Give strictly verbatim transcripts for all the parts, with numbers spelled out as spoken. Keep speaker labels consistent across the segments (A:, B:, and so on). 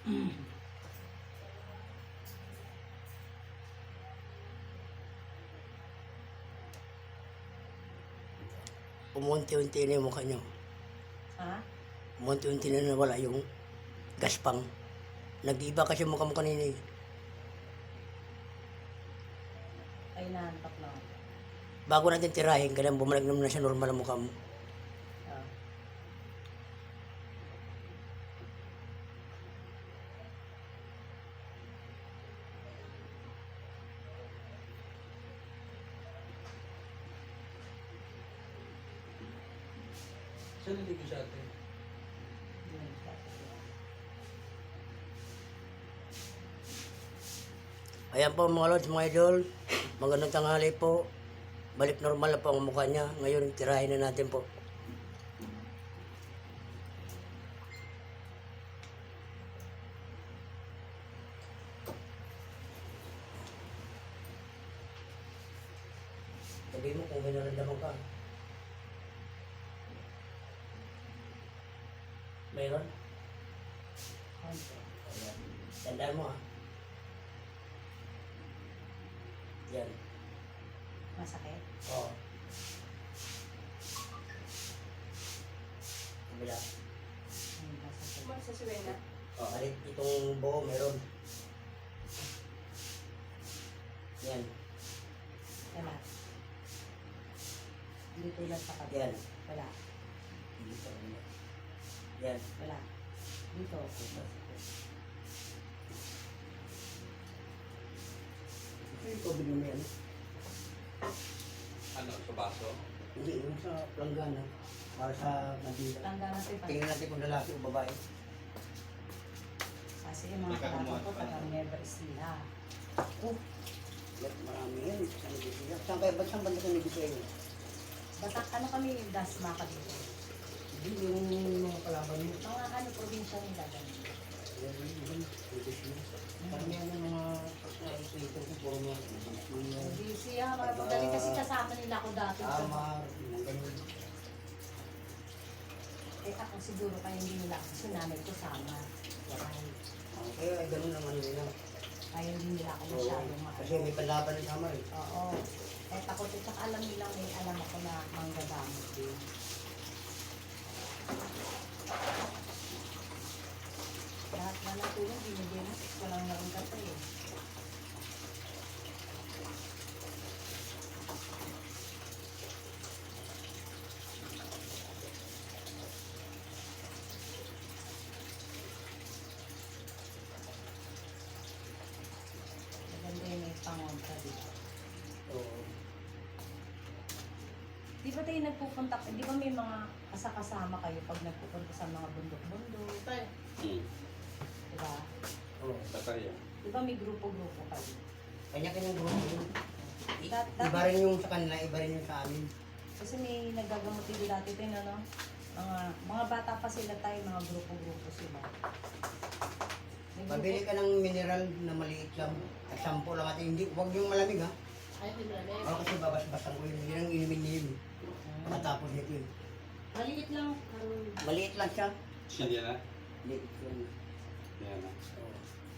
A: Umunti-unti na yung mukha nyo.
B: Ha?
A: Umunti-unti na nawala yung gaspang. Nag-iba kasi mukha mo kanina eh.
B: Ay, nahantak na.
A: Bago natin tirahin, kailangan bumalik naman na sa normal ang mukha mo.
B: Ah.
C: Saan naligo sa atin?
A: Ayan po mga lods, mga idol. Magandang tanghali po. Balik normal na po ang mukha niya. Ngayon, tirahin na natin po. Sabihin mo kung may naramdaman ka. Mayroon? Ayan. Tandaan mo ha. Yan.
B: Masakit?
A: Oo. Kabila.
B: Ay, masakit.
D: Sa Suwena.
A: Oh, halit itong buo meron. Yan.
B: Wala. Dito lang sa kabila.
A: Yan.
B: Wala.
A: Dito. Yan.
B: Wala. Dito.
A: Ito yung COVID mo yan.
C: Ano, sa baso?
A: Hindi, yung sa planggana. Para sa Manila.
B: Tanda natin pa.
A: Tingnan natin kung lalaki o babae.
B: Kasi yung mga
C: Ikaw
B: kalabo
C: gumawa
B: ko,
C: pa.
B: taga Nueva Ecija.
A: Oh. Yan, marami yan. Saan Negusya? Saan kayo? Ba't saan banda sa Negusya yun?
B: Batak, ano kami yung dasma ka dito?
A: Hindi, yung mga kalaban mo.
B: Mga ano, probinsya nila ganun.
A: Yan, yun, yun. Negusya. Parang yan ang mga ito ko puro mga Negusya.
B: Busy ha, mga magaling kasi kasama nila ako dati.
A: Tama, yung ganun.
B: Eh ako siguro kaya hindi nila ako sinanay ko sama. Kaya,
A: Okay, ay ganun naman nila.
B: kaya hindi nila ako
A: So,
B: masyadong
A: kasi
B: maano.
A: may panlaban ng sama eh.
B: Oo. Eh takot at saka alam nila may alam ako na manggagamit din. Lahat na natulong, binigyan mo. Walang naroon ka pa eh. Maganda yun may pangontra dito.
A: So,
B: Di ba tayo nagpupunta, di ba may mga kasakasama kayo pag nagpupunta sa mga bundok-bundok?
C: Hmm.
B: Di ba?
A: oh,
C: Batarya.
B: Di ba may grupo-grupo kayo?
A: kanya-kanyang grupo yun. I-
B: Dat-
A: Iba rin yung sa kanila, iba rin yung sa amin.
B: Kasi may nagagamot din dati tayo, ano? Mga, mga bata pa sila tayo, mga grupo-grupo sila. May grupo-
A: Pabili ka ng mineral na maliit lang. At sampo lang natin. Hindi, huwag yung malamig ha.
D: Ay, di ba na
A: Ako kasi babas-basan ko yun. Yun ang inumin niya yun.
B: Hmm.
A: Matapos nito yun.
D: Maliit lang. Karun.
A: Maliit lang siya.
C: Siya yan na?
A: Maliit yun.
C: Yan na.
A: Oh.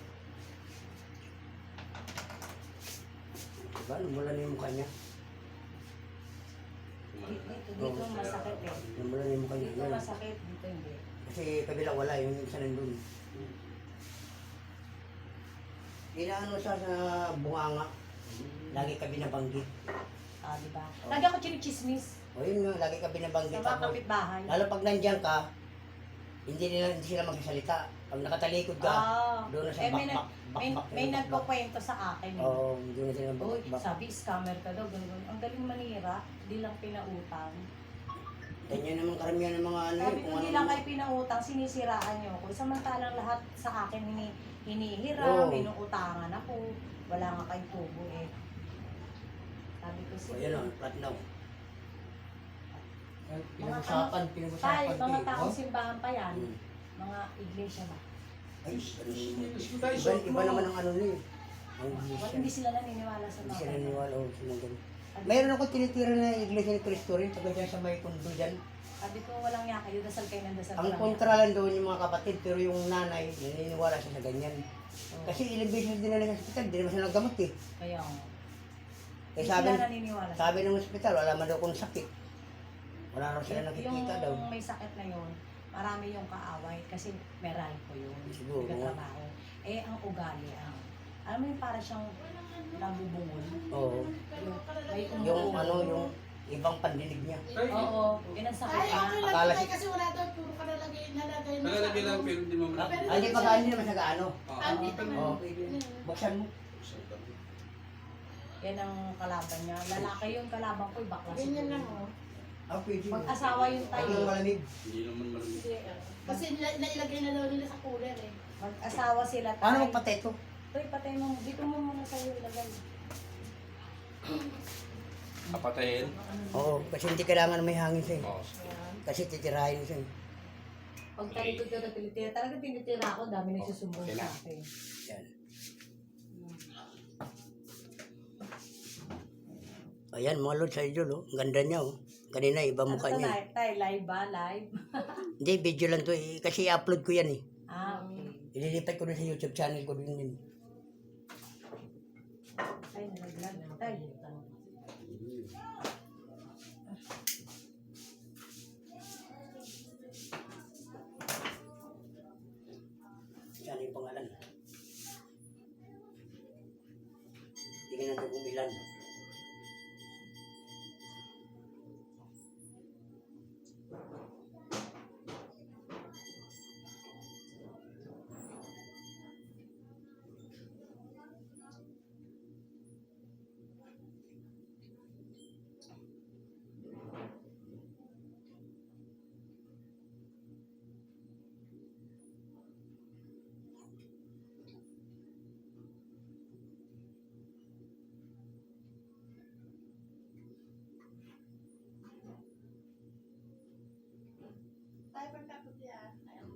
A: Diba? Lumula na yung mukha niya.
B: Dito, dito, dito masakit eh.
A: Lumula na yung mukha niya.
B: Dito
A: Yan.
B: masakit, dito hindi.
A: Kasi kabila wala. Yung isa nandun. Inaano siya sa bunganga. Lagi ka binabanggit.
B: Ah, di ba?
A: Oh.
B: Lagi ako chinichismis
A: O yun nga, lagi ka binabanggit.
B: sa mga
A: Tapos,
B: kapitbahay.
A: lalo pag nandiyan ka, hindi nila hindi sila magsasalita. Pag nakatalikod ka,
B: Ah,
A: doon na sa
B: eh, may,
A: bakbak.
B: nag- may, may nagkukwento sa akin. eh.
A: Oo, doon na sila
B: Uy,
A: bakbak.
B: sabi, scammer ka daw, ganun. Ang galing manira, di lang pinautang.
A: Ganyan naman karamihan ng mga ano
B: Sabi
A: yun.
B: ko,
A: Kung
B: di
A: ano,
B: lang kayo pinautang, sinisiraan niyo ako. Samantalang lahat sa akin hini, hinihiram,
A: Oo.
B: inuutangan ako. Wala nga kay tubo eh. Sabi ko,
A: o
B: sige.
A: yun o, platinum.
B: Mga
A: Pinag-usapan,
B: Tay,
A: pinag-usapan.
B: mga
A: eh,
B: taong
A: oh.
B: simbahan pa yan.
A: Hmm.
B: Mga iglesia ba?
A: Ay, ano yun.
C: Iba,
A: Iba, iba naman ang ano niya. Ang
B: Wala,
A: iglesia.
B: hindi sila naniniwala sa
A: Hindi
B: mga
A: sila
B: ganun.
A: naniwala o sila ganun. Mayroon ako tinitira na iglesia ni Cristo rin. Pagka dyan sa may kundo dyan.
B: Sabi ko, walang niya kayo, dasal kayo ng dasal.
A: Ang
B: walang
A: kontra lang doon yung mga kapatid, pero yung nanay, naniniwala siya sa ganyan.
B: yaka.
A: Kasi ilang beses din na sa hospital, di naman siya naggamot eh.
B: Kaya nga.
A: Eh
B: Hindi
A: sabi,
B: sila naniniwala.
A: sabi ng hospital, wala man daw kung sakit. Wala raw sila nakikita daw.
B: Yung may sakit na yun, marami yung kaaway kasi meral ko yun.
A: Siguro.
B: Nagkatrabaho. Eh, ang ugali, ang, alam mo yung para siyang nabubungol.
A: Oo.
B: Yung, may
A: Yung
B: umuungol.
A: ano, yung ibang pandinig niya.
B: Oo, yun ang sakit
E: Ay,
B: niya.
E: okay lang
A: Akala
E: tayo
A: si-
E: kasi wala daw puro ka nalagay, nalagay na
C: Nalalagay lang
E: ano.
C: pero hindi mo
A: Ah,
C: malaki.
A: Ay, di pa kaano naman sa gaano.
C: Ah,
E: Andito
C: ah,
E: na.
A: Oo, pwede. Buksan mo.
B: Yan ang kalaban niya. Lalaki yung kalaban ko, bakla
E: Ganyan lang oh.
A: Ah, pwede.
B: Mag-asawa yung
A: Ay,
B: tayo.
A: yung malamig.
C: Hindi naman malamig.
E: Kasi nila- nailagay na daw nila sa cooler eh.
B: Mag-asawa sila tayo.
A: Paano magpatay ito?
B: Uy, patay mo. Dito mo muna sa'yo ilagay.
C: Kapatayin.
A: Oo, kasi hindi kailangan may hangin siya eh.
C: Oh,
A: Kasi titirahin siya eh.
B: Pag talikod ka na tinitira, talaga tinitira ako, dami nagsusumbong
C: Okay
B: sa
C: na.
B: akin.
A: Yan. Ayan, mga lods, idol, oh. Ang ganda niya, oh. Kanina, iba
B: Ano
A: mukha
B: to,
A: niya. eh.
B: live? Tay, live ba? Live?
A: Hindi, video lang to eh. Kasi i-upload ko yan eh.
B: Ah, okay.
A: Ililipat ko na sa YouTube channel ko din yun.
B: Tay, nalaglag. Tay.
A: Yan yung pangalan. Tingnan natin kung ilan.
E: Tayo pagkapot yan. Ayun.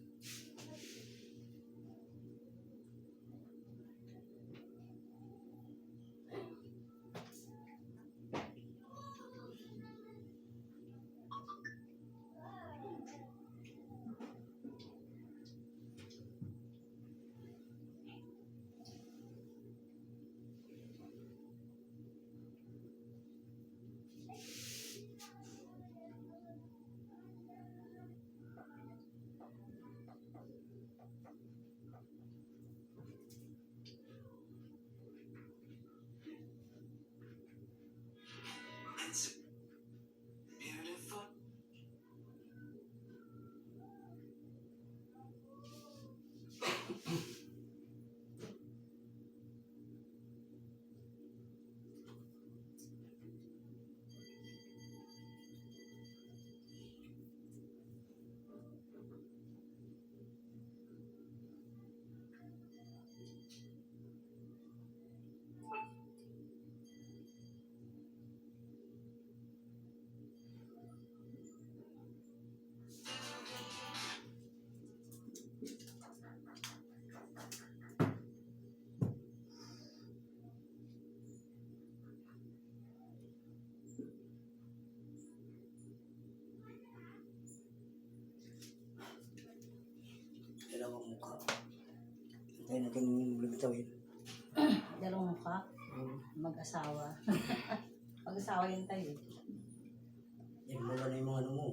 A: Dalawang mukha. Antayin natin lumitaw yun.
B: Dalawang mukha, mag-asawa. Mag-asawa yun tayo.
A: Yan mula na yung mga ano mo.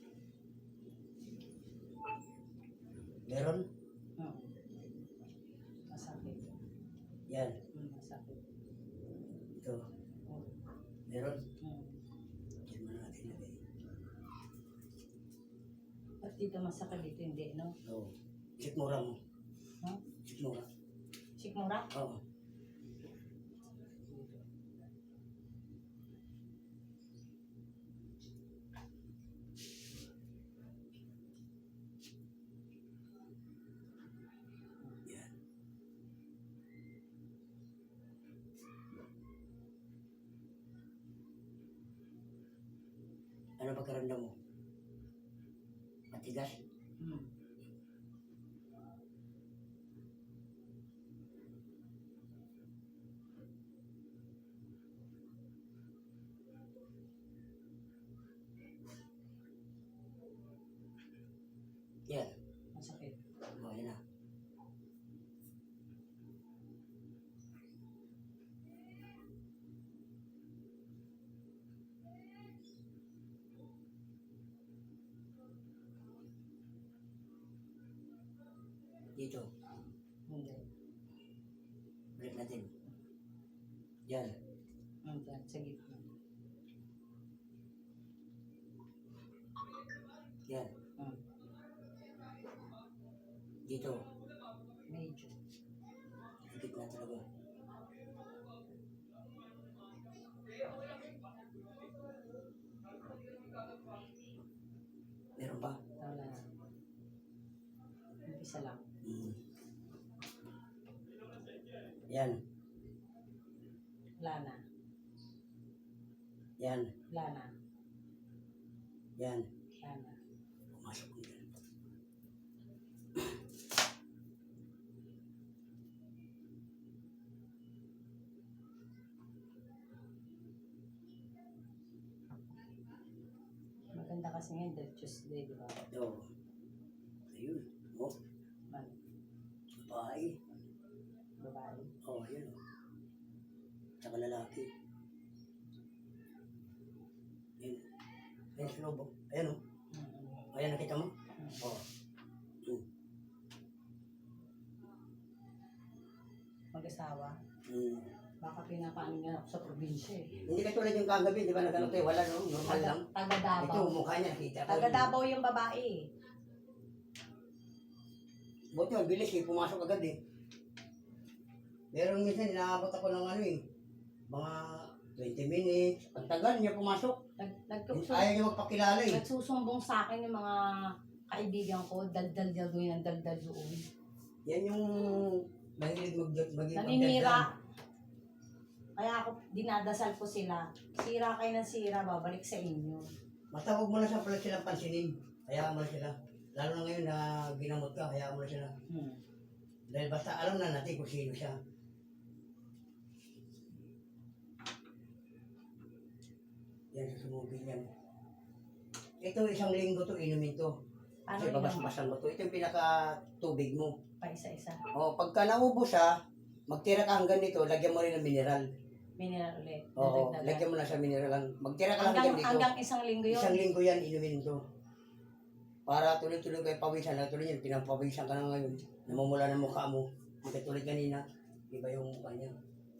A: Meron?
B: Hmm. Masakit.
A: Yan.
B: Hmm, masakit.
A: Ito. Meron?
B: Hmm.
A: Yan mo natin lagay.
B: At dito masakit, dito hindi, no?
A: Oo. Sikmura mo.
B: Ha?
A: Sikmura.
B: Sikmura?
A: Oo. Yan. Ano pagkaramdam mo? Matigas?
B: Hmm.
A: Yan.
B: Masakit.
A: O, yan na. Dito.
B: Hindi.
A: Balik natin. Yan.
B: Hindi. Sa gitna.
A: Yan.
B: Hmm.
A: Dito.
B: Medyo.
A: Higit na talaga. Meron pa?
B: Wala na. Umpisa lang.
A: Hmm. Yan.
B: Wala na.
A: Yan.
B: Wala na.
A: Yan.
B: Wala na.
A: Pumasok ko yan.
B: Maganda kasi ngayon dahil Tuesday, di ba?
A: Ito. Ayun. O.
B: Man,
A: Babae.
B: babae.
A: O, ayun. O. Tsaka lalaki. Ayun. Ayun sa loob. O. Ayun o.
B: Mm-mm.
A: Ayan, nakita mo? O. Hmm.
B: Mag-asawa.
A: Hmm.
B: Baka pinapaano nga ako sa probinsya eh.
A: Hindi ka tulad yung kagabi, di ba? Nagano tayo, wala no? Normal lang.
B: Taga
A: Ito,
B: Davao.
A: mukha niya, nakita ko.
B: Taga Davao yung babae eh.
A: Buti yun, bilis eh, pumasok agad eh. Meron minsan, inaabot ako ng ano eh, mga twenty minutes. Ang tagal niya pumasok.
B: Nag, nagsusum-
A: Ayaw niya magpakilala eh.
B: nagsusumbong sa akin yung mga kaibigan ko, daldal dal doon ng daldal doon.
A: Yan yung mahilig mag maging
B: Naninira. Kaya ako, dinadasal ko sila. Sira kayo ng sira, babalik sa inyo.
A: Basta huwag mo na sa pala silang pansinin. Hayaan mo na sila. Lalo na ngayon na ginamot ka, hayaan mo na sila.
B: Hmm.
A: Dahil basta alam na natin kung sino siya. Yan, susumugin yan. Ito, isang linggo to, inumin to.
B: Ano
A: Kasi
B: yun?
A: babas-basan mo to. Ito yung pinaka-tubig mo.
B: Pa isa-isa.
A: O, pagka naubos siya, magtira ka hanggang dito, lagyan mo rin ng mineral.
B: Mineral ulit.
A: Oo,
B: Dadagdagan.
A: lagyan mo na sa mineral lang. Magtira ka lang
B: Hanggang,
A: hanggang dito.
B: hanggang isang linggo yun.
A: Isang linggo yan, inumin to. Para tuloy-tuloy kayo pawisan. Tuloy yan, pinapawisan ka na ngayon. Namumula ng mukha mo. Hindi tulad kanina, iba yung mukha niya.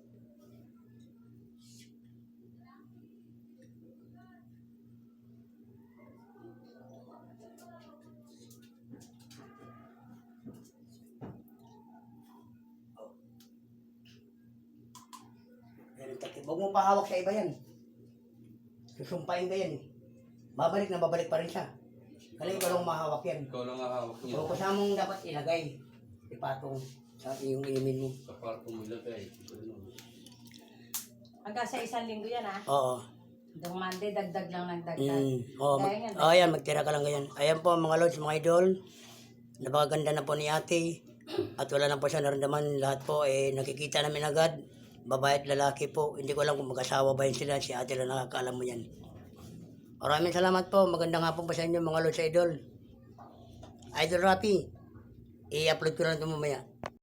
A: Yan ang takip. Huwag mo pahawak sa iba yan. Susumpain ka yan eh. Babalik na babalik pa rin siya. Kaya ikaw lang mahawak yan.
C: Ikaw lang ang hawak niya.
A: So, kasama mong dapat ilagay. Ipatong sa iyong inumin mo.
C: Sa kwarto mo ilagay.
B: Hanggang sa isang linggo yan ah.
A: Oo.
B: Hanggang Monday, dagdag lang ng dagdag.
A: Mm. Oo, mag-
B: Kaya nga,
A: oh, ayan, magtira ka lang ganyan. Ayan po mga lods, mga idol. Napakaganda na po ni ate. At wala na po siya naramdaman. Lahat po eh, nakikita namin agad. Babae at lalaki po. Hindi ko alam kung mag-asawa ba yun sila. Si ate lang nakakaalam mo yan. Maraming salamat po. Magandang hapon pa sa inyo mga lods idol. Idol Rapi. I-upload ko lang ito mamaya.